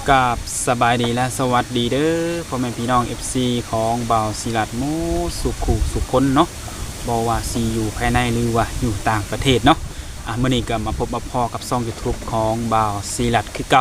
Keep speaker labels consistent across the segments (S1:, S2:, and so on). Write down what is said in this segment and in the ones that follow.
S1: กับสบายดีและสวัสดีเด้อพ่อแม่พี่น้อง FC ของบ่าวศิลัดโมสุขุสุคนเนาะบ่ว่าซีอยู่ภายในหรือว่าอยู่ต่างประเทศเนาะมื้อนี้ก็มาพบมาพอกับช่อง YouTube ของบ่าวศิลัดคือเก่า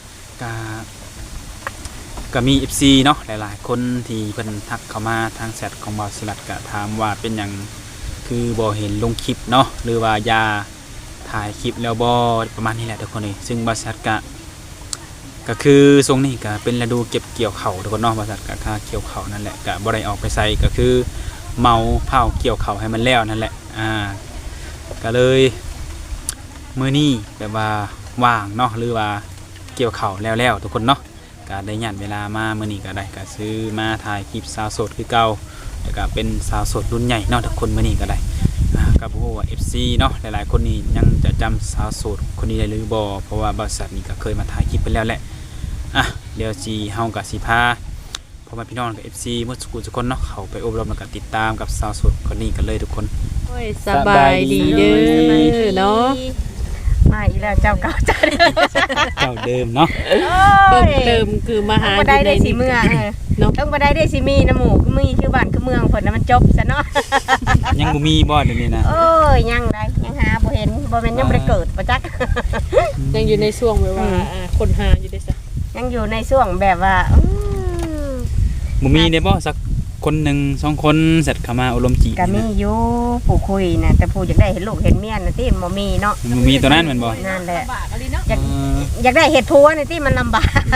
S1: ก็มี FC เนาะหลายๆคนที่เพิ่นทักเข้ามาทางแชทของบ่าวศิลัดก็ถามว่าเป็นหยังคือบ่เห็นลงคลิปเนาะหรือว่าอย่าถ่ายคลิปแล้วบ่ประมาณนี้แหละทุกคนนี่ซึ่งบ่าวศิลัดก็คือทรงนี้ก็เป็นฤดูเก็บเกี่ยวเข่าทุกคนเนาะบริษัทก็ค่าเกี่ยวเข่านั่นแหละก็บ่ได้ออกไปใส่ก็คือเมาเผาเกี่ยวเข่าให้มันแล้วนั่นแหละก็เลยมื้อนี้แบบว่าว่างเนาะหรือว่าเกี่ยวเข่าแล้วทุกคนเนาะก็ได้ยันเวลามามื้อนี้ก็ได้ก็ซื้อมาถ่ายคลิปสาวโสดคือเก่าแล้วก็เป็นสาวโสดรุ่นใหญ่เนาะทุกคนมื้อนี้ก็ได้ก็บ่ฮู้ว่า FC เนาะหลายๆคนนี่ยังจะจำสาวโสดคนนี้ได้หรือบ่เพราะว่าบริษัทนี้ก็เคยมาถ่ายคลิปไปแล้วแหละเดี๋ยวจีเฮากับสีพาพ่อแม่พี่น้องกับ FC เมื่อสักครู่ทุกคนเนาะเขาไปอบรมแล้วก็ติดตามกับสาวโสดคนนี้กันเลยทุกคน
S2: โอ้ยสบายดีเด้อเนาะ
S3: มาอีแล้วเจ้าเก่าเจ้าเดิม
S1: เจ้าเดิมเนาะ
S2: เพิ่มเติมคือมาหา
S3: บ่ได้ได้สิเมืองเนาะต้องบ่ได้ได้สิมีน้ำหมูคือมีคือบ้านคือเมืองเพิ่นน่ะมันจบซะเนาะ
S1: ยังบ่มีบ่เดี๋ยวนี้นะ
S3: โอ้ยยังได้ยังหาบ่เห็นบ่แม่นยังบ่ได้เกิดบ่จัก
S2: ยังอยู่ในช่วงแบบว่าคนหาอยู่ได้ซะ
S3: ยังอยู่ในช่วงแบบว่า
S1: บ่มีได้บ่สักคนหนึ่งสองคนเสร็จเข้ามาอบรมจี
S3: ก็มีอยู่ผู้คุยน่ะแต่ผู้อยากได้เห็นลูกเห็นเมียน่ะติบ่มีเนาะ
S1: บ่มีตัวนั้นแม่นบ่
S3: นั่นแหละอยากได้เฮ็ดผัวนี่ติมันลำบาก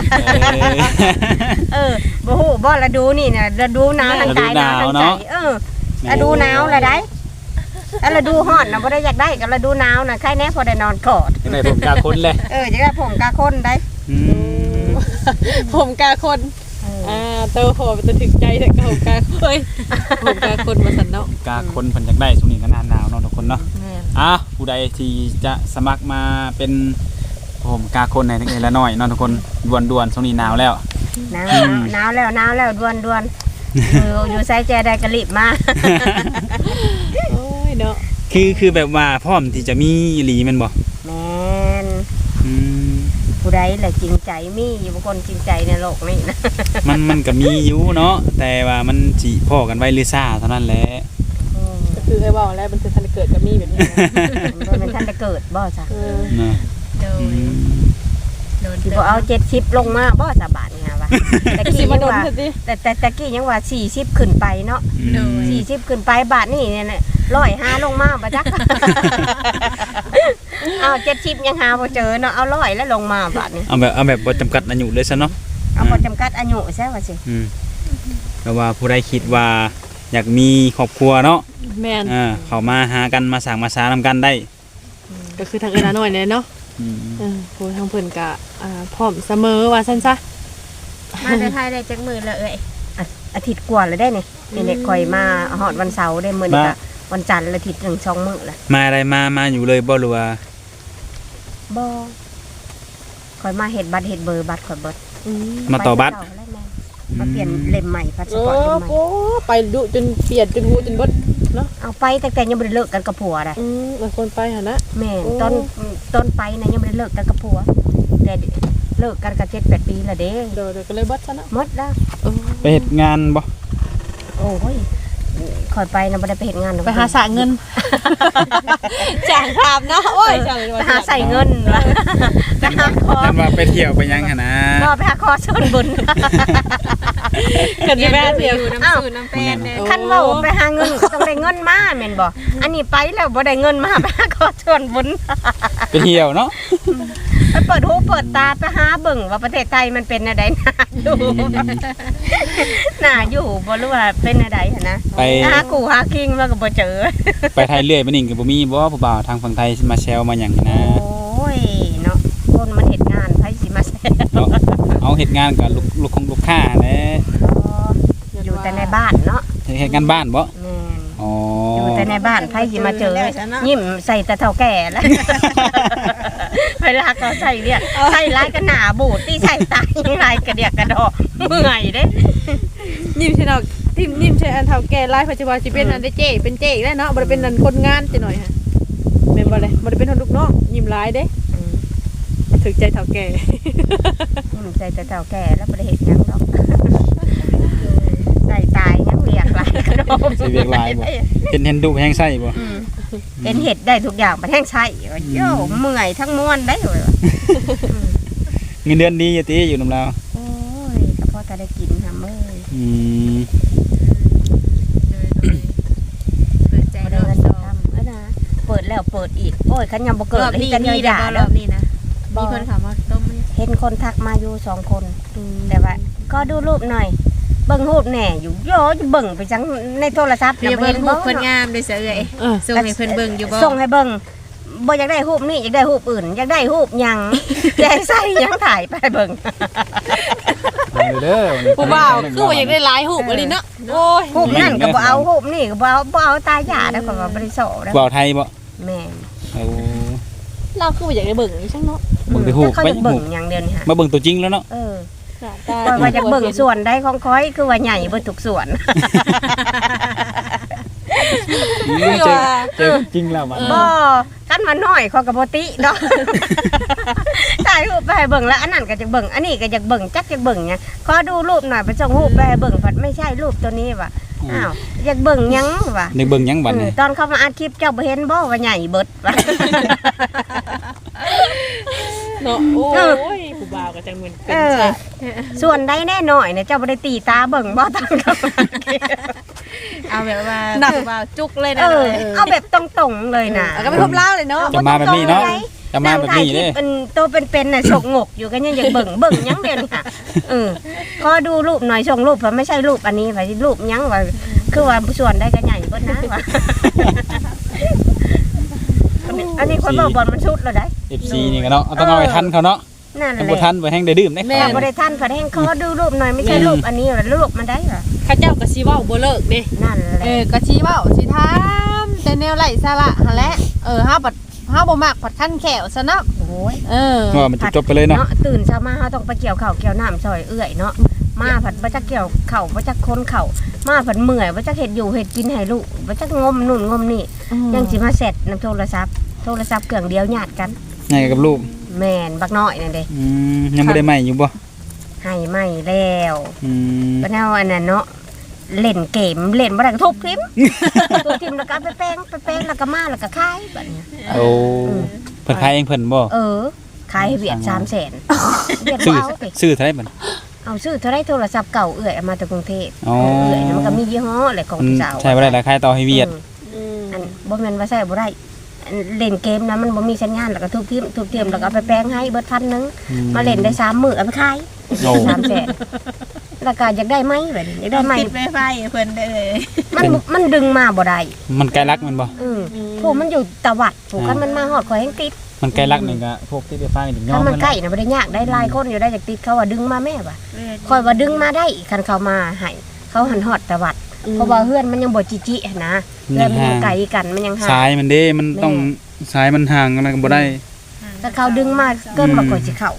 S3: บ่ฮู้บ่ละดูนี่น่ะละดูหนาวทั้งกายหนาวทั้งใจละดูหนาวละได้ละดูฮ้อนน่ะบ่ได้อยากได้ก็ละดูหนาวน่ะใครแน่พอได้นอนกอด
S1: ได้ผมกาคนเลย
S3: อยากได้ผมกาคนได้
S2: ผมกาคนเตาหอมันจะถึงใจแต่ผมกาผมกาคนมาสั่นเนาะ
S1: กาคนเพิ่นอยากได้ช่วงนี้ก็หนาวเนาะทุกคนเนาะผู้ใดที่จะสมัครมาเป็นผมกาคนในเล็กๆละน้อยเนาะทุกคนด่วนๆช่วงนี้หนาวแล้ว
S3: หนาวแล้วด่วนอยู่ไซแจได้กระลิบมา
S2: โอ้ยเนาะ
S1: คือแบบว่าพร้อมที่จะมีอีหลีแม่นบ่
S3: แม่นผู้ใดแหละจริงใจมีอยู่บางคนจริงใจในโลกนี้นะ
S1: มันก็มีอยู่เนาะแต่ว่ามันสิพ้อกันไว้หรือซ่าเท่านั้นแหละ
S2: ก็คือให้บอกแล้วมันคือทันเกิดกับมีแบบนี้
S3: มันทันจะเกิดบ่จ้ะ
S2: โดน
S3: สิบ่เอา70ลงมาบ่จ้ะบาทนี่ฮะว่าแต่กี้ยังว่าแต่ตะกี้ยังว่า40ขึ้นไปเนาะ40ขึ้นไปบาทนี่เนี่ย105ลงมาบ่จักเอา70ยังหาบ่เจอเนาะเอา100แล้วลงมาบาทนี่
S1: เอาแบบบ่จำกัดอายุเลยซะเนาะ
S3: เอาบ่จำกัดอายุใช่ว่าสิ
S1: แต่ว่าผู้ใดคิดว่าอยากมีครอบครัวเนาะ
S2: แม่น
S1: เข้ามาหากันมาสร้างมาสานำกันได้
S2: ก็คือทางเอิ้นน้อยเนาะผู้ทางเพิ่นก็พร้อมเสมอว่าซั่นซะ
S3: มาได้ไทยได้จักมื้อแล้วอาทิตย์กว่าแล้วได้นี่นี่ค่อยมาฮอดวันเสาร์ได้มื้อนี้ก็วันจันทร์อาทิตย์1 2มื้อแล้ว
S1: มาอะไรมาอยู่เลยบ่หรือว่า
S3: บ่ค่อยมาเฮ็ดบัตรเฮ็ดเบอร์บัตรค่อยเบิด
S1: มาต่อบัตร
S3: มาเปลี่ยนเล่มใหม่พาสปอร์ตเล่มใหม่
S2: ไปดุจนเปลี่ยนจนหูจนเบิดเนาะ
S3: เอาไปแต่ยังบ่ได้เลิกกันกับผัวได้
S2: บางคนไปหั่นนะ
S3: แม่ต้นไปนะยังบ่ได้เลิกกันกับผัวแต่เลิกกันก็7-8 ปีแล้วเด้
S2: เดี๋ยวก็เลยเบิดซะเนาะ
S3: หมดแล้ว
S1: ไปเฮ็ดงานบ่
S3: โอ้ยค่อยไปนะบ่ได้ไปเฮ็ดงาน
S2: ไปหาสะเงินจ้างภาพเนาะโอ้ย
S3: ไปหาใส่เงินว่ะไปหาคอ
S1: นั่นว่าไปเที่ยวไปยังหั่นนะ
S3: บ่ไปหาคอส่วนบุญ
S2: กันสิไปเที่ยว
S3: น้ำสูน้ำแป้นคันเว้าไปหาเงินก็ต้องได้เงินมาแม่นบ่อันนี้ไปแล้วบ่ได้เงินมาไปหาคอส่วนบุญ
S1: ไปเที่ยวเนาะ
S3: ไปเปิดหูเปิดตาไปหาเบิ่งว่าประเทศไทยมันเป็นอะไรน่าอยู่บ่รู้ว่าเป็นอะไรหั่นนะ
S1: ไป
S3: หากูหาคิงมาก็บ่เจอ
S1: ไปไทยเรื่อยไปนี่ก็บ่มีบ่ผู้บ่าวทางฝั่งไทยมาแซวมาหยังนะ
S3: โอ้ยเนาะคนมันเฮ็ดงานไผสิมาแซว
S1: เอาเฮ็ดงานกับลูกค้าแหละ
S3: อยู่แต่ในบ้านเนาะ
S1: เฮ็ดงานบ้านบ่
S3: แม่นอยู่แต่ในบ้านไผสิมาเจอยิ้มใส่แต่เฒ่าแก่แล้วเวลาเขาใส่เนี่ยใส่ลายก็หนาบูดที่ใส่ตายังลายกระเดียกกระดอกเมื่อยเด้
S2: ยิ้มใช่เนาะยิ้มใช่อันเฒ่าแก่ลายปัจจุบันสิเป็นอันได้เจ๊เป็นเจ๊อีกแล้วเนาะบ่ได้เป็นอันคนงานจังหน่อยฮะแม่นบ่เลยบ่ได้เป็นคนลูกน้องยิ้มหลายเด้ถึกใจเฒ่าแก่
S3: ใส่แต่เฒ่าแก่แล้วบ่ได้เฮ็ดหยังดอกใส่ตายยังเรียกหลายกระโดด
S1: สิเวียกหลายบ่เห็นดุแฮงไส้บ่
S3: เห็นเห็ดได้ทุกอย่างมันแห้งใช่โย่เมื่อยทั้งม้วนได้เลย
S1: เงินเดือนดีอยู่ติอยู่นำเรา
S3: โอ้ยก็พอจะได้กินทำเอ้ย
S1: อืม
S4: เปิดใจ
S3: บ่
S4: ร
S3: ได้
S4: อบ
S3: เงิน
S4: ส
S3: จะ
S4: อง
S3: ทำแล้วนะเปิดแล้วเปิดอีกโอ้ยขันยังบ่เกิด
S4: รอบ
S3: เลย
S4: นี้
S3: กัน
S4: มี
S3: ยา
S4: แต่
S3: ๆ
S4: ร
S3: แล้
S4: อ
S3: ว
S4: บนี้นะมีคนถามว่าต้มไหม
S3: เห็นคนทักมาอยู่2 คนแต่ว่าก็ดูรูปหน่อยเบิ่งรูปแหน่อยู่โย่เบิ่งไปจังในโทรศัพท์
S4: เดี๋ยว
S3: บ่
S4: เบิ่งรูป
S3: บ่
S4: เพิ่นงามด้วยเสือเอ้ย
S2: เออ
S4: ส่งให้เพิ่นเบิ่งอยู่บ่
S3: ส่งให้เบิ่งบ่อยากได้รูปนี้อยากได้รูปอื่นอยากได้รูปหยัง อยากใส่หยังถ่ายไปเบิ่ง
S1: เอาเด้อ
S2: ผู้บ่าวคือว่าอยากได้หลายหูปอันนี้เนาะโอ้ย
S3: รูปนั่นก็บ่เอารูปนี่ก็บ่เอาตาหยาแล้วก็ว่าบ่ได้โสแล้ว
S1: บ่าวไทยบ่
S3: แม่น
S1: เอา
S2: เราคือว่าอยากได้เบิ่งนี่ช่างเนาะ
S1: เบิ่งแต่รูป
S3: เขา
S1: ไป
S3: จะเบิ่งอย่างเดียวนี่ฮะ
S1: มาเบิ่งตัวจริงแล้วเนาะ
S3: เออ
S2: หน้าตา
S3: ก็ว่าจะเบิ่งส่วนใดของค้อยคือว่าใหญ่เบิดทุกส่วน
S1: เจอจริงแล้วมัน
S3: บ่คันมาน้อยเขาก็บ่ติดอก ถ่ายรูปไปให้เบิ่งแล้วอันนั้นก็จะเบิ่งอันนี้ก็จะเบิ่งจักจะเบิ่งหยังขอดูรูปหน่อยไปส่งรูปไปให้เบิ่งพัดไม่ใช่รูปตัวนี้ว่ะอ้าวอยากเบิ่งหยังว่ะ
S1: นึกเบิ่งหยังบัดนี้
S3: ตอนเขามาอัดคลิปเจ้าบ่เห็นบ่ว่าใหญ่เบิดว่ะ
S2: เนาะโอ้ยผู้บ่าวก็จังเหมือนเป็นชาติ
S3: ส่วนใดแน่หน่อยเนี่ยเจ้าบ่ได้ตีตาเบิ่งบ่ตั้งแต่
S4: เอาแบบว่าผู้บ่าวจุกเลยนะ
S3: เอาแบบตรงๆเลยนะ
S2: แล้วก็ไปพบเล่าเลยเนาะ
S1: จะมาแบบนี้เนาะจะมาแบบนี้เด้
S3: เป็นโตเป็นน่ะฉกงกอยู่กันยังอยากเบิ่งหยังเด่นค่ะขอดูรูปหน่อยส่งรูปเพราะไม่ใช่รูปอันนี้ว่ารูปหยังว่าคือว่าส่วนได้ก็ใหญ่เบิดนะว่าอันนี้คนบอกบอลมันชุดแล้วได้
S1: FC นี่ก็เนาะต้องเอาไปทันเขาเนาะ
S3: นั่นแห
S1: ถ้า
S3: ละ
S1: บ่ทันไปแฮงได้ดื่มได้
S3: แม่บ่ได้ท่านพอแห้งขอดูรูปหน่อยไม่ใช่รูปอันนี้หรอรูปมันได้เหรอ
S2: ข้าเจ้าก็สิเว้าบ่เลิกเด้
S3: นั่นแหละ
S5: ก็ชี้เว้าสิถามแต่แนวไร้สาระหั่นแหละเฮาบ่มักผัดคั่นแขวซะเนาะ
S3: โอ้ย
S1: ว่ามันจบไปเลยเนาะ
S3: ตื่นเช้ามาเฮาต้องไปเกี่ยวข้าวเกี่ยวน้ำซอยเอื้อยเนาะมาผัดบ่จักเกี่ยวข้าวบ่จักคนข้าวมาผัดเมื่อยบ่จักเฮ็ดอยู่เฮ็ดกินให้ลูกบ่จักงมนู่นงมนี่ยังสิมาเสร็จนำโทรศัพท์เครื่องเดียวญาติกัน
S1: ไงกับลูก
S3: แม่นบักน้อยนั่นเด้
S1: ยังบ่ได้ใหม่อยู่บ่
S3: ให้ไม่แล้ว
S1: ม
S3: บ่แนวอันนั้นเนาะเล่นเกมเล่นบ่ได้ก็ทุบทิ่ม ทุบทิ่มแล้วก็เอาไปแป้งแล้วก็มาแล้วก็ขายบัดนี้
S1: โอ้เพิ่นขายเองเพิ่นบ่
S3: ขายให้เวียด300,000เวียด
S1: ซื้อ
S3: บ่เอาติ
S1: ซื้อเท่าไหร่บัด
S3: เอาซื้อเท่าไรโทรศัพท์เก่าเอื้อยเอามาจากกรุงเทพ
S1: อ๋อ
S3: เอื้อยนะมันก็มียี่ห้ออะไรของ
S1: มัน
S3: พี่สาว
S1: ใช้บ่ได้ราคายต่อให้เวียด
S3: อันบ่แม่นว่าใช้บ่ได้อันเล่นเกมนะมันบ่มีสัญญาณแล้วก็ทุบทิ่มแล้วก็เอาไปแปลงให้เบิด1,000นึงมาเล่นได้3มื้อเอาไปขาย
S1: โอ้
S3: 300,000ราคาอยากได้ไหมแบบนี้อยากได้ไหม
S4: ติดไวไฟเพิ่นได้เลย
S3: มันดึงมาบ่ได้
S1: มันไกลรักมันบ่
S3: ผู้มันอยู่ตะวัดผู้คันมันมาฮอดข่อยแฮงติด
S1: มันไกลรักนี่ก็พวกที่ไปฟังนี่ยอ
S3: คัน
S1: ม
S3: มัน
S1: กัน
S3: ใกล้น่ะบ่ได้ยากได้หลายคนอยู่ได้อยากติดเขาว่าดึงมาแม่ว่ะข่อยว่าดึงมาได้คันเขามาให้เขาหันฮอดตะวัดเพราะว่าเฮือนมันยังบ่จิๆนะแล้วมันยังไกลกันมันยังห่าง
S1: สายมันเด้มันต้องสายมันห่างกันก็บ่ได้
S3: ถ้าเขาดึงมาเกินมาก่อนสิเข้า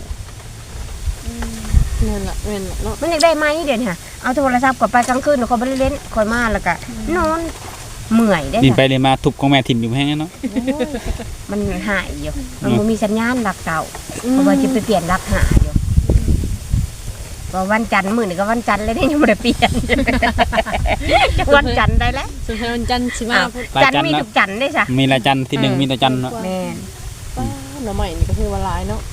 S2: นั่นล่ะแม่นล่ะเนาะ
S3: มันอยากได้ไหมเดี๋ยวนี้ค่ะเอาโทรศัพท์กดไปกลางคืนเขาบ่ได้เล่นคอยมาแล้วก็นอนเมื่อยได้
S1: ดินไป
S3: ค่ะ
S1: เลยมาทุบของแม่ถิ่มอยู่แห้งเนาะ
S3: มันหายอยู่มันบ่มีสัญญาณหลักเก่าเพราะว่าจะไปเปลี่ยนหลักหาอยู่ว่าวันจันทร์มื้อนี้ก็วันจันทร์เลยได้ยังบ่ได้เปลี่ยน วันจันทร์ได้แล้ว
S2: สุดท้ายวันจันทร์สิมาพูด
S3: จันทร์มีทุกจันทร์ได้จ้ะ
S1: มีละจันทร์ที่หนึ่งมีละจันทร์เนาะ
S3: แม่น
S2: ป้าหน่อใหม่นี่ก็คือว่าหลายเนาะ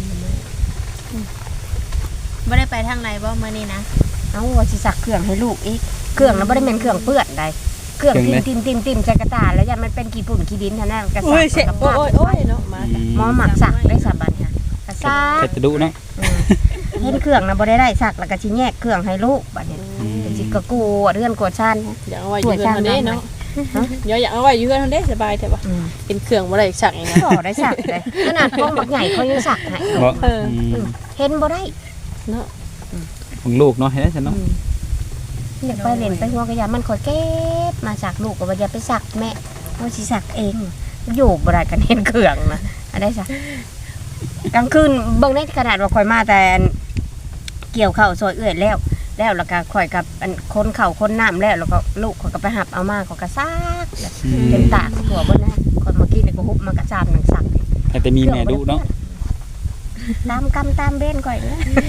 S4: บ่ได้ไปทางไหนบ่มื้อนี้นะ
S3: เอาว่าสิสักเครื่องให้ลูกอีกเครื่องน่ะบ่ได้แม่นเครื่องเปื้อนใดเครื่องติ่มใส่กระตาแล้วยันมันเป็นขี้ฝุ่นขี้ดินเท่านั้นกระ
S2: โอ้
S3: สั
S2: ยเสีย
S3: ก
S2: โอ้ยเนาะมา
S3: หมอหมักสักได้สับบัดค่ะกระซัก
S1: เฮ็ดจะดุเนาะ
S3: เห็นเครื่องนะบ่ได้สักแล้วก็สิแยกเครื่องให้ลูกบัดนี้สิกะกูเรือนกวดชัน
S2: อยากเอาไว้อยู่เฮือนเฮาเด้เนาะเดี๋ยวอยากเอาไว้อยู่เฮือนเฮาเด้สบายแท้บ่เป็นเครื่องบ่ได้สักอย่างนั้น
S3: ก็ได้สักเลยขนาดกล้องบักใหญ่เขายังสักให้
S1: บ่
S3: เห็นบ่ได้
S2: เนาะ
S1: ของลูกเนาะเฮ็ดจังเนาะ
S3: อยากไปเล่นไปหัวกระยามันคอยเก็บมาสักลูกก็ว่าอย่าไปสักแม่เอาสิสักเองอยู่บ่ได้กันเห็นเครื่องนะอันได้สักกลางคืนเบิ่งได้ขนาดว่าคอยมาแต่เกี่ยวข้าวซอยเอื้อยแล้วแล้วก็ข่อยกับคนเข่าคนน้ำแล้วก็ลูกข่อยก็ไปหับเอามาข่อยก็ซักเป็นตากหัวเบิ่นนะข่อยเมื่อกี้นี่ก็ฮุบมากระจามหนังสัก
S1: แต่มีแม่ดุเนาะ
S3: ตามกรรมตามเบ้นก่อยนะ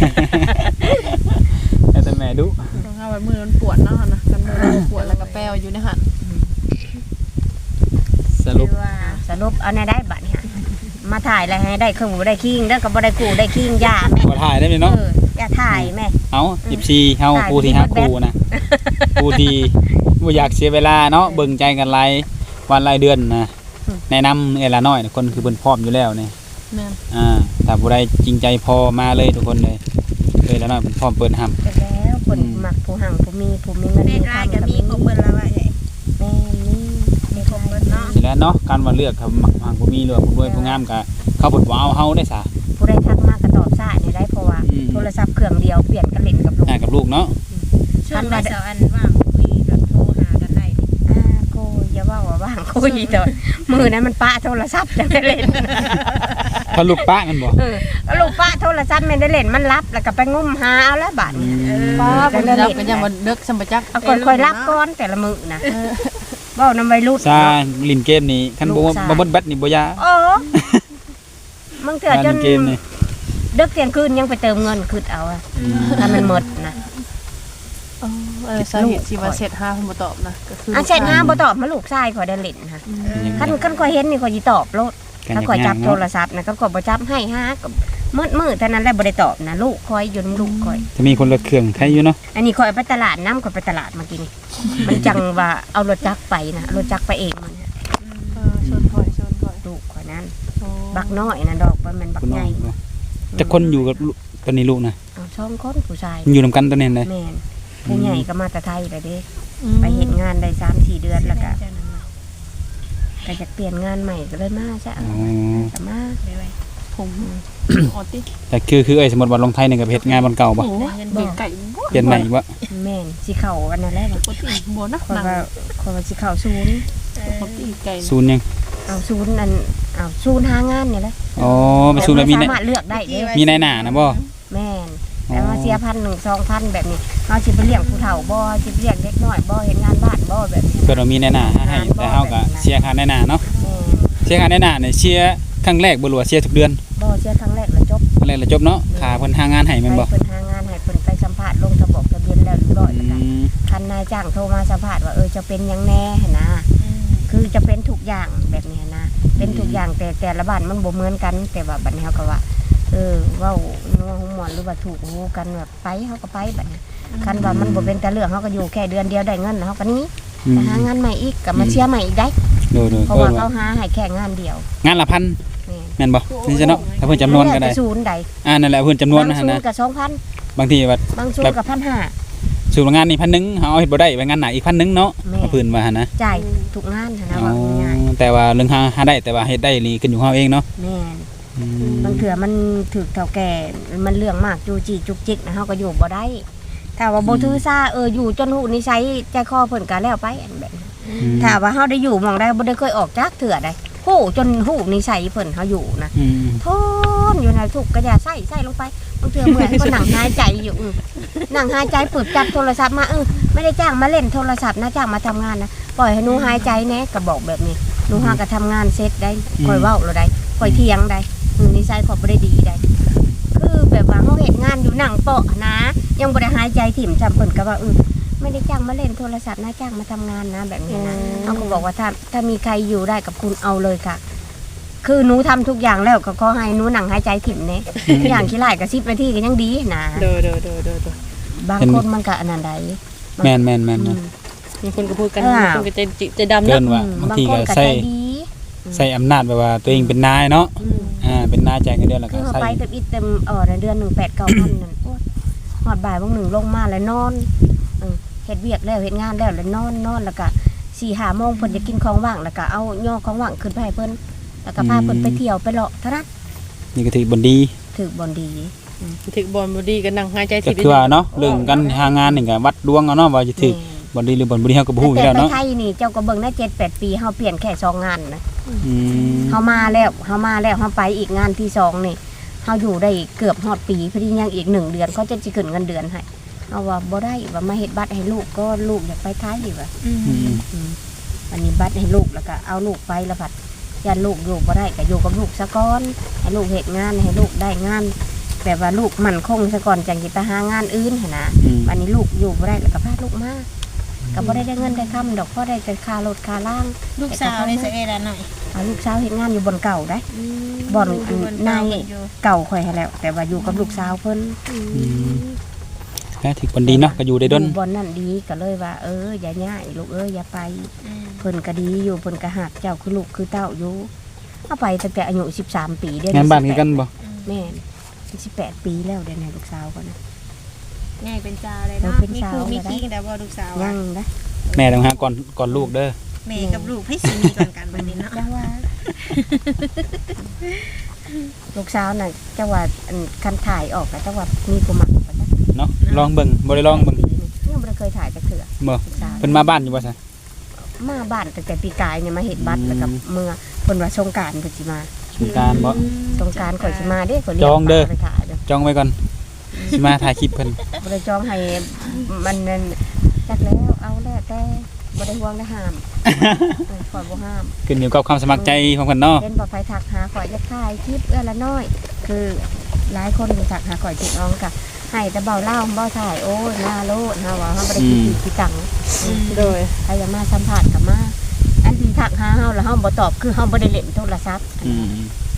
S1: แต่แม่ดุ
S2: ต้องเอาไว้มือมันปวดเนาะนะกันมือมันปวดแล้วก็แป้วอยู่ในหัน
S1: สรุป
S3: ว่าสรุปเอาในได้บัตรเนี่ยมาถ่ายอะไรให้ได้เครื่องมือได้คิงแล้วก็บ่ได้กูได้คิงยาแม่
S1: บ่ถ่ายได้ไหมเนาะ
S3: อย่าถ่ายแม่
S1: เอา14เฮาผู้ที่ฮักคู่นะผู้ที่บ่อยากเสียเวลาเนาะเบิ่งใจกันรายวันรายเดือนนะแนะนำเอละน้อยคนคือเพิ่นพร้อมอยู่แล้วนี่
S2: แม่น
S1: ถ้าผู้ใดจริงใจพอมาเลยทุกคนเลยแล้วน้อยเพิ่นพร้อมเปิดห้ำ
S3: ไปแล้วคนมักผู้หังผู้มีเงิน
S4: เด็กรายก็มีครบเบิดแล้วว่าไอ้
S3: แม่มี
S4: ครบเบิดเนาะ
S1: สิแล้วเนาะการว่าเลือกครับมักหางผู้มีเลือกผู้รวยผู้งามก็เขาเพิ่นบ่เอาเฮาได้ซะ
S3: ผู้ใดทักมากก็ตอบซ่านี่ได้เพราะว่าโทรศัพท์เครื่องเดียวเปลี่ยนกันเล่นกับลูก
S1: กับลูกเนาะ
S4: ช่วงได้เสาร์อันว่างคุยแบบโทรหากันได้
S3: โกอย่าว่าว่างคุยแต่มือนั้นมันป้าโทรศัพท์จะได้เล่น
S1: ถ้าลูกป้ากันบ่
S3: แล้วลูกป้าโทรศัพท์ไม่ได้เล่นมันรับแล้วก็ไปงุ่มหาเอาแล้วบาดนี้
S2: ป้า
S3: ก็
S2: เป็น
S3: ได้
S2: จับ
S3: เล่น
S2: เป็นยังบ่เลิกสมบัจัก
S3: เอาค่อยๆรับก่อนแต่ละมือนะเว้านำวัยรุ่น
S1: ซาลินเกมนี้คันบ่บ่เบิดแบตนี่บ่ยา
S3: โอ้มึงเถื่อจ
S1: ลิ
S3: น
S1: นเกมนี่
S3: ดึกเที่ยงคืนยังไปเติมเงินคืดเอาอะถ้ามันหมดนะ
S2: สาเหตุที่ว่าเสร็จ5เพิ่นบ่ตอบนะก็คือ
S3: เช็ดหาบ่ตอบมาลูกชายขอยได้เล่นค่ะคันข่อยเห็นนี่ข่อยสิตอบโลดถ้าข่อยจับโทรศัพท์นะก็ข่อยบ่จับให้หาก็มืดเท่านั้นแหละบ่ได้ตอบนะลูกข่อยอยู่นำลูกข่อย
S1: จะมีคนรถเครื่องใครอยู่เนาะ
S3: อันนี้ข่อยไปตลาดน้ำข่อยไปตลาดเมื่อกี้นี่มันจังว่าเอารถจักรไปนะรถจักรไปเองมัน
S2: ชนค่อย
S3: ลูกข่อยนั้นบักน้อยนะดอกบ่แม่นบัก
S1: คุณ
S3: ให
S1: น้อ
S3: ญ่
S1: งจะคนอยู่กับตอนนี้ลูกนะ
S3: เอาสองคนผู้ชาย
S1: อยู่นำกันตอนนี้เลย
S3: แม่นผู้ใหญ่ก็มาแต่ไทยเลยเด้ไปเฮ็ดงานได้3-4 เดือนแล้วก็จะเปลี่ยนงานใหม่ก็เลยมาซะ
S1: อ๋อ
S3: ก็มา
S2: ผมออติ
S1: แต่คือสมมุติว่าลงไทยนี่ก็เฮ็ดงานบนเก่าบ่
S2: โอ้ยไก่บ่
S1: เปลี่ยนใหม่อีกบ่
S3: แม่นสิเข้าอันนั้นแหละว่า
S2: ปกติบ่นะ
S3: ข่อย
S2: นั่ง
S3: ว่าสิเข้าศูนย์
S2: ปกติไก่
S1: ศูนย์ยัง
S3: เอาศูนย์อันเอาศูนย์หางานนี่แหละ
S1: อ๋อไปศูนย์แบบมี
S3: สา
S1: ใน
S3: มารถเลือกได้เด้
S1: มีในหน้านะบ่
S3: แม่นแต่ว่าเสีย1,000-2,000แบบนี้เฮาสิไปเลี้ยงผู้เฒ่าบ่สิไปเลี้ยงเด็กน้อยบ่เฮ็ดงานบ้านบ่แบบนี้
S1: เพิ่นว่ามีในหน้าให้แต่เฮาก็เสียค่าในหน้าเนาะ
S3: แม่น
S1: เสียค่าในหน้านี่เสียครั้งแรกบ่รู้ว่าเสียทุกเดือน
S3: บ่เสียครั้งแรกแล้วจบ
S1: ครั้งแรกแล้วจบเนาะค่าเพิ่นหางานให้แม่นบ่
S3: ให้เพิ่นหางานให้เพิ่นไปสัมภาษณ์ลงทะบอกทะเบียนแล้วเรียบร้อยแล้วกันคันนายจ้างโทรมาสัมภาษณ์ว่าจะเป็นหยังแน่หั่นนะคือจะเป็นทุกอย่างแบบนี้นะเป็นทุกอย่างแต่ละบ้านมันบ่เหมือนกัน แต่ว่าบัดนี้เฮาก็ว่าเว้านัวหูหมอนหรือว่าถูกหูกันแบบไปเฮาก็ไปบัดนี้คันว่ามันบ่เป็นแต่เรื่องเฮาก็อยู่แค่เดือนเดียวได้เงินเฮาก็หนี้ไปหางานใหม่อีกก็มาเชียร์ใหม่อีกได้
S1: โดย
S3: เพราะว่าเขาหาให้แค่งานเดียว
S1: งานละพัน
S3: แม่น
S1: แม่นบ่นี่จะเนาะถ้าเพิ่นจำนวนก็ได้
S3: แล้วแต่ศูนย์ใด
S1: นั่นแหละเพิ่นจำนวน
S3: บาง
S1: นะ
S3: ศูน
S1: นะ
S3: ย์ก็ 2,000
S1: บางทีว่า
S3: บางศูนย์ก็1,500
S1: สูตรงานนี่1,000เฮาเอาเฮ็ดบ่ได้ไปงานหนักอีก1,000เนาะ
S3: แม่
S1: เอาเพิ่นว่าหั่นนะ
S3: จ่ายทุกงานหั่นนะว่าง่าย
S1: แต่ว่าเรื่องหาได้แต่ว่าเฮ็ดได้นี่ขึ้นอยู่เฮาเองเนาะ
S3: ๆแม่นบางเถื่อมันถูกเฒ่าแก่มันเรื่องมากจูจีจุกจิกนะเฮาก็อยู่บ่ได้ถ้าว่าบ่ถือซาอยู่จนหูนิสัยใจคอเพิ่นก็แล้วไปอันแบบนั้นถ้าว่าเฮาได้อยู่หม่องใดบ่ได้เคยออกจากเถื่อใดฮู้จนหูนิสัยเพิ่นเฮาอยู่นะทนอยู่ในทุกข์ก็อย่าใส่ลงไปบางเถื่อเมื่อยก็นั่งหายใจอยู่นั่งหายใจปึบจับโทรศัพท์มาไม่ได้จ้างมาเล่นโทรศัพท์นะจ้างมาทำงานนะปล่อยให้หนูหายใจแน่ก็บอกแบบนี้หนูหาก็ทำงานเสร็จได้ค่อยเว้าแล้วได้ค่อยเถียงได้นิสัยขอบ่ได้ดีได้คือแบบว่าเฮาเฮ็ดงานอยู่นั่งเปาะนะยังบ่ได้หายใจถิ่มจำเพิ่นก็ว่าไม่ได้จ้างมาเล่นโทรศัพท์นะจ้างมาทำงานนะแบบนี้นะเขาก็บอกว่าถ้ามีใครอยู่ได้กับคุณเอาเลยค่ะ คือหนูทำทุกอย่างแล้วก็ขอให้หนูนั่งหายใจถิ่มเน่อย่างขี้ไล่ก็10 นาทีก็ยังดีนะ
S2: เด้อ
S3: บางคนมันก็อันนั้นใด
S1: แม่น
S2: มีคนก็พูดกันมีคนก็ใจดำ
S1: เกิ
S2: นะ
S1: นว่าบางทีก็
S3: ใจ
S1: ใ
S3: ดี
S1: ส่อำนาจแบบว่าตัวเองเป็นนายเนาะเป็นนายจ่ายเงินเดือนแล้ว
S3: คื
S1: ก็
S3: อเขา
S1: ใส่
S3: ไปเต็มอิดเต็มเดือน1 8-9,000นั่นโอ๊ยฮอดบ่ายบางหนึ่งลงมาแล้วนอนเฮ็ดเวียกแล้วเฮ็ดงานแล้วนอนแล้วก็4-5 โมงเพิ่นจะกินของว่างแล้วก็เอาย่อของว่างขึ้นไปให้เพิ่นแล้วก็พาเพิ่นไปเที่ยวไปเลาะเท่านั้น
S1: นี่ก็ถือบนดี
S3: ถือบ่ดี
S2: ถึกบอลบ่ดีก็นั่งหายใจ
S1: ก็คือว่าเนาะเรื่องกันหางานนี่ก็วัดดวงเอาเนาะว่าจะถือบนดีหรือบนบ่ดีเฮาก็บ่ฮู้อยู่
S3: แต่
S1: แล้ว
S3: ไป
S1: เนาะ
S3: ไทยนี่เจ้าก็เบิ่งได้7-8 ปีเฮาเปลี่ยนแค่2 งานนะ
S1: อืม
S3: เฮามาแล้วเฮาไปอีกงานที่2นี่เฮาอยู่ได้เกือบฮอดปีพอดียังอีก1 เดือนเขาจะสิขึ้นเงินเดือนให้เอาว่าบ่ได้ว่ามาเฮ็ดบัตรให้ลูกก็ลูกอยากไปไทยว่า
S1: อืม
S3: อันนี้บัตรให้ลูกแล้วก็เอาลูกไปแล้วผัดอย่าลูกอยู่บ่ได้ก็อยู่กับลูกซะก่อนให้ลูกเฮ็ดงานให้ลูกได้งานแบบว่าลูกมั่นคงซะก่อนจังสิไปหางานอื่นหั่นนะวันนี้ลูกอยู่บ่ได้แล้วก็พาลูกมาก็บ่ได้เงินได้คำดอกพอได้แต่ค่ารถค่าล่าง
S4: ลูกสาวนี่สิเอ็ดหน่อย
S3: ลูกสาวเฮ็ดงานอยู่บนเก่าได้บ่อนนายเก่าค่อยให้แล้วแต่ว่าอยู่กับลูกสาวเพิ่น
S1: ก็ถือคนดีเนาะก็อยู่ได้ด้น
S3: บ่อนนั่นดีก็เลยว่าอย่าย่ายลูกอย่าไปเพิ่นก็ดีอยู่เพิ่นก็ฮักเจ้าคือลูกคือเต้าอยู่เอาไปตั้งแต่อายุ13ปีเด้
S1: งานบ้านคือกันบ่
S3: แม่น18ปีแล้วเดี๋ยวนี้ลูกสาวก็นะ
S4: ง่ายเป็นจ้าเลยเนาะมีครูมีกิ้งแต่ว่าลูกสาว
S3: ยังนะ
S1: แม่ต้องหาก่อนลูกเด้อ
S4: แม่กับลูกให้สิมีก่อนกันบัดนี้เนาะ
S3: จังว่าลูกสาวน่ะจังว่าคันถ่ายออกก็จังว่ามีผู้มักบ่จ๊ะ
S1: เนาะลองเบิ่งบ่ได้ลองเบิ่ง
S3: ยังบ่ได้เคยถ่ายจักเทื่อ
S1: บ่
S3: ลูกสาว
S1: เพิ่นมาบ้านอยู่บ่ซะ
S3: มาบ้านตั้งแต่ปีกายเนี่ยมาเฮ็ดบัตรแล้วก็เมื่อเพิ่นว่าสงกรานต์เพิ่นสิมา
S1: สงกรานต์บ่
S3: สงกรานต์ข่อยสิมาเด้ข่อยเรีย
S1: จองเด้อ
S3: ไปถ่ายเด้อ
S1: จองไว้ก่อนสิมาถ่ายคลิปเพิ่น
S3: บ่ได้จองให้มันนั่นจักแล้วเอาแล้วแต่บ่ได้ห่วงได้ห้ามข่อยบ่ห้าม
S1: ขึ้นอยู่กับความสมัครใจของเพิ่นเนาะ
S3: เห็นบ่ไผทักหาข่อยจะถ่ายคลิปเอื้อละน้อย คือหลายคนที่ทักหาข่อยติดน้องก็ให้แต่เบาเล่าบ่ถ่ายโอ้ยหน้าโลดเฮาว่าเฮาบ่ได้คิดขี้ตัง
S2: โดย
S3: ใครจะมาสัมภาษณ์ก็มาอันที่ทักหาเฮาแล้วเฮาบ่ตอบคือเฮาบ่ได้เล่นโทรศัพท์
S1: อืม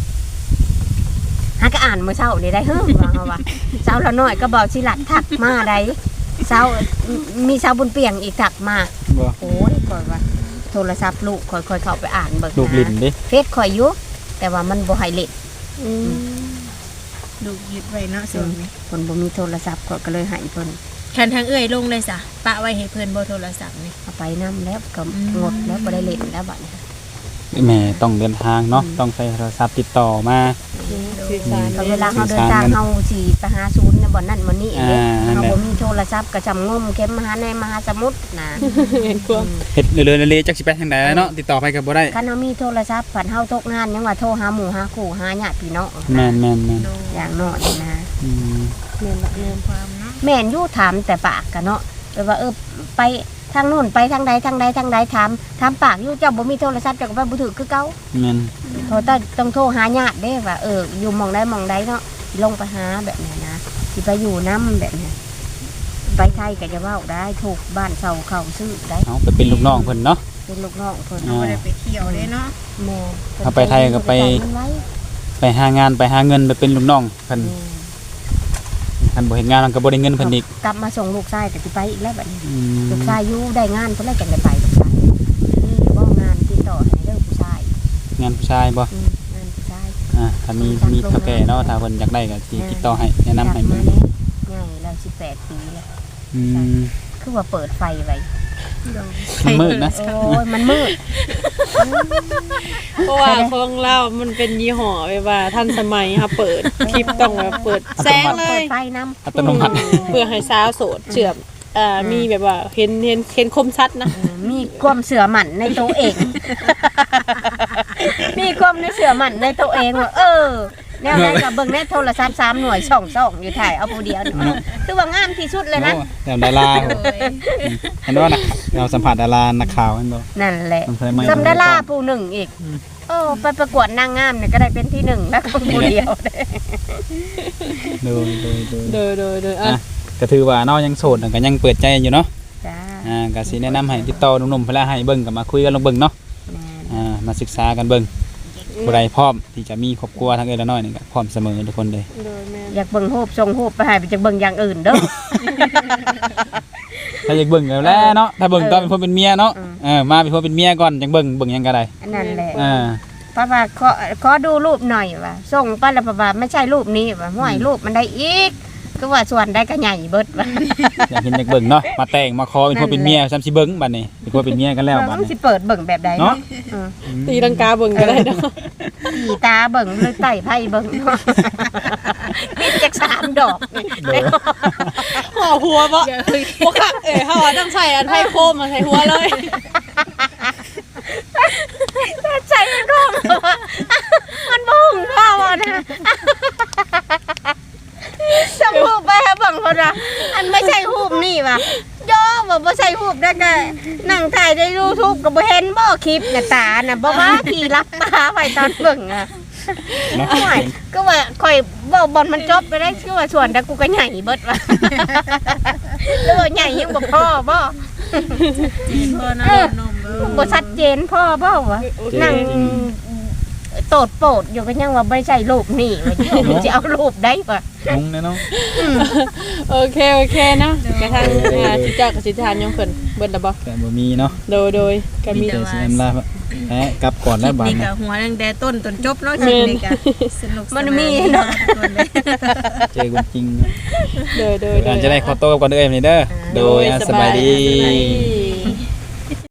S3: หาก็อ่านมื้อเช้านี่ได้ว่าเฮาว่าเช้าละน้อยก็บอกสิลัดทักมาได้เช้ามีเช้าบุญเปียงอีกทักมา
S1: บ่
S3: โอ้ยข่อยว่าโทรศัพท์ลูกค่อยๆเข้าไปอ่านเบิ่ง
S1: ลูกลิ้นดิ
S3: เฟซข่อยอยู่แต่ว่ามันบ่ให้เล่น
S4: ลูกยึดไว้เนาะส่วนนี้
S3: เพิ่นบ่มีโทรศัพท์ข่อยก็เลยให้เพิ่น
S4: แทนทางเอื้อยลงเลยซะปะไว้ให้เพิ่นบ่โทรศัพท์นี่
S3: เอาไปนํแล้วก็งดแล้วบ่ได้เล่นแล้วบัดนี้
S1: แม่ต้องเดินทางเนาะต้องใช้โทรศัพท์ติดต่อมา
S2: สื่อสาร
S3: ก็เวลาเฮาเดินทางเฮาสิไปหาศูนย์น่ะบ่นั่นบ่นี่เด้เฮาบ่มีโทรศัพท์ก็จำงมเข็มมหาในมหาสมุทรน่ะ
S2: เห็นความ
S1: เฮ็ดเรื่อยๆเลยๆจักสิไปทางใดแล้วเนาะติดต่อไปก็บ่ได้
S3: คันเฮามีโทรศัพท์ผันเฮาตกงานยังว่าโทรหาหมู่หาคู่หาญาติพี่น้อง
S1: แม่น
S3: อย่างน้อยนะ
S1: อืม
S2: แม่นละแม่น
S4: ความเนาะ
S3: แม่นอยู่ถามแต่ปากกันเนาะแบบว่าไปทางนู้นไปทางใดทางใดทางใดถามปากอยู่เจ้าบ่มีโทรศัพท์เจ้าก็ไปบ่ถือคือเก่า
S1: แม่น
S3: โทรต้องโทรหาญาติเด้ว่าอยู่หม่องใดหม่องใดเนาะลงไปหาแบบนี้นะสิไปอยู่นำแบบนี้ไปไทยก็จะเว้าได้ถูกบ้านเซาเขาซื้อได้
S1: เอาไปเป็นลูกน้องเพิ่นเนาะ
S3: เป็นลูกน้องเพิ่น
S4: บ่ได้ไปเที่ยวเด้เนาะ
S3: แม่
S1: เอาไปไทยก็ไป
S3: มันไว้
S1: ไปหางานไปหาเงินไปเป็นลูกน้องเพิ่นคันบ่เฮ็ดงานมันก็บ่ได้เงินเพิ่นอีก
S3: กลับมาส่งลูกชายก็สิไปอีกแล้วบัดนี้
S1: อืม
S3: ลูกชายอยู่ได้งานเพิ่นเลยจังได้ไปลูกชายนี่บ่งานติดต่อให้เด้อผู้ชาย
S1: งานผู้ชายบ่
S3: งานผู้ชาย
S1: ถ้ามีเฒ่าแก่เนาะถ้าเพิ่นอยากได้ก็สิติดต่อให้แนะนำให้
S3: เบิ่
S1: เบิ่
S3: ง
S1: ง
S3: ง่ายแล้ว18 ปีแล้ว
S1: อืม
S3: คือว่าเปิดไฟไว้
S1: มันมืดนะ
S3: โอ้ยมันมืด
S2: เพราะว่าของเรามันเป็นยี่ห้อแบบว่าทันสมัยค่ะเปิดคลิปต้องแบบเปิดแสงเล
S3: เปิ
S2: ย
S3: ดไฟน้
S1: อัตโนมัติ
S2: เพื่อให้สาวโสดเชื่อมมีแบบว่าเห็นคมชัดนะ
S3: ำมีความเสื่อมั่นในตัวเอง มีความในเสื่อมั่นในตัวเองว่าแนวไหนกับเบิ่งในโทรศัพท์3หน่วยช่องอยู่ถ่ายเอาผู้เดียวนี่คือว่างามที่สุดเลยนะ
S1: โอ้แต่ดาราเห็นว่านะเราสัมผัสดารานักข่าวเห็นบ่
S3: นั่นแหละ
S1: มันเคยไม่
S3: ซัมดาราผู้หนึ่งอีกไปประกวดนางงามเนี่ยก็ได้เป็นที่หนึ่งแล้วก็ผู้เดียว
S1: ดู
S2: โดยอ่ะ
S1: ก็ถือว่าเนาะยังโสดก็ยังเปิดใจอยู่เนาะ
S3: จ้า
S1: ก็สิแนะนำให้ติดต่อหนุ่มๆเพิ่นละให้เบิ่งก็มาคุยกันลองเบิ่งเนาะมาศึกษากันเบิ่งผู้ใดพร้อมที่จะมีครอบครัวทั้งเอ้ยและน้อยนี่ก็พร้อมเสมอทุกคนเลย
S2: โดยแม่
S3: อยากเบิ่งรูปทรงรูปไปให้ไปจากเบิ่งอย่างอื่นเด้อ
S1: ถ้าอยากเบิ่งแล้วแหละเนาะถ้าเบิ่งตอนเป็นคนเป็นเมียเนาะมาเป็นคนเป็นเมียก่อนจังเบิ่งหยังก็ได้
S3: อันนั้นแหละ
S1: อ่า
S3: ป้าว่าขอดูรูปหน่อยว่ะส่งไปแล้วป้าว่าไม่ใช่รูปนี้ว่ะห้วยรูปมันได้อีกก็ว่าส่วนได้ก็ใหญ่เบิดว่ะ
S1: อยากเห็นอยากเบิ่งเนาะมาแต่งมาขอเป็นคนเป็นเมียซ้ำสิเบิ่งบัดนี้เป็นคนเป็นเมียกันแล้วบัด
S3: มัน
S1: นี้
S3: สิเปิดเบิ่งแบบใด
S1: เนาะ
S3: เนาะ
S2: ตีลังกาเบิ่งก็ได้เนาะ
S3: ขี่ตาเบิ่งหรือไต่ไพ่เบิ่งเนาะมีจัก3 ดอกนี่
S2: ห่อหัวบ่บ่ค่ะเฮาต้องใส่อันไผ่โคมมาใส่หัวเลย
S3: ใช่มันก็มันบุ้งพ่อว่ะนะสมรูปไปฮะเบิ่งคนละอันไม่ใช่รูปนี่ว่ะย้อบ่ใส่รูปได้ก็นั่งถ่ายใน YouTube ก็บ่เห็นบ่คลิปน่ะตาน่ะบ่ว่าพี่รับตาไว้ตอนเบิ่งอ่ะ
S1: เนาะ
S3: ไม่ก็ว่าข่อยเว้าบอลมันจบไปได้คือว่าส่วนแต่กูก็ใหญ่เบิดว่ะแล้วว่าใหญ่ยังบ่พอบ่
S4: พ่อนะนม
S3: บ่ชัดเจนพ่อบ่วะนั่งโตดโปดอยู่ก็ยังว่าบ่ใช่รูปนี่ว่าสิเอารูปได้บ่
S1: งงแน่เนาะ
S2: โอเคเนาะกระทั่งที่เจ้ากับสิทานยงเพิ่นเบิดแล้วบ่
S1: แต่บ่มีเนาะ
S2: โดยก็มี
S1: แต่สินำลากลับก่อนแล้วบาด
S4: นี่
S1: นี้
S4: ก็หัวตั้งแต่ต้นจนจบเนาะชีวิตนี่ก็สนุกมันมีเนาะ
S1: เจอคนจริง
S2: โดย
S1: การจะได้ขอโต้ก่อนเด้อมื้อนี้เด้อโดยสบายดี
S2: สบายดี